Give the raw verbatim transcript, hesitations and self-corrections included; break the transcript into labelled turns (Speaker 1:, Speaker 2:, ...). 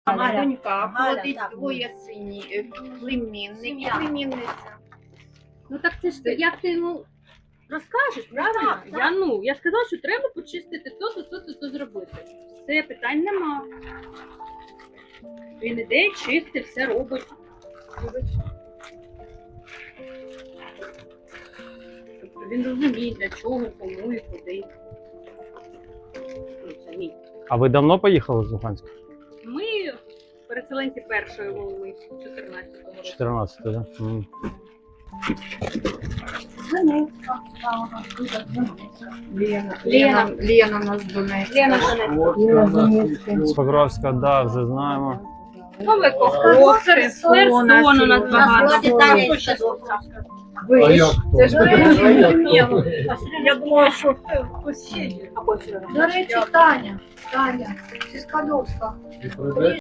Speaker 1: Галя.
Speaker 2: донька,
Speaker 1: Галя,
Speaker 2: плодить
Speaker 1: так.
Speaker 2: двоє синів, племінники,
Speaker 1: Сім'я.
Speaker 2: племінниця.
Speaker 3: Ну так це ж як ти йому розкажеш, правильно?
Speaker 1: так, так.
Speaker 3: Я ну я сказала, що треба почистити то, то, то, то, то зробити. Все, питань нема. Він іде, чистить, все робить. Тобто він розуміє, для чого, кому і куди. Ну, це мій.
Speaker 4: А ви давно поїхали з Луганська?
Speaker 3: Ми переселенці першої волни чотирнадцятого року.
Speaker 4: чотирнадцятого, так? Да? М.
Speaker 2: Лена, Лена, Лена нас з Донецька.
Speaker 3: Лена
Speaker 4: З Покровська, да, вже знаємо.
Speaker 3: Новиков,
Speaker 2: Херсон,
Speaker 3: Херсон у нас
Speaker 1: У нас
Speaker 3: багато.
Speaker 1: вроді там є ще добре.
Speaker 2: Ви ж, це ж
Speaker 3: Я думала, що хтось ще є.
Speaker 2: До речі, Таня, Таня, зі Скадовська.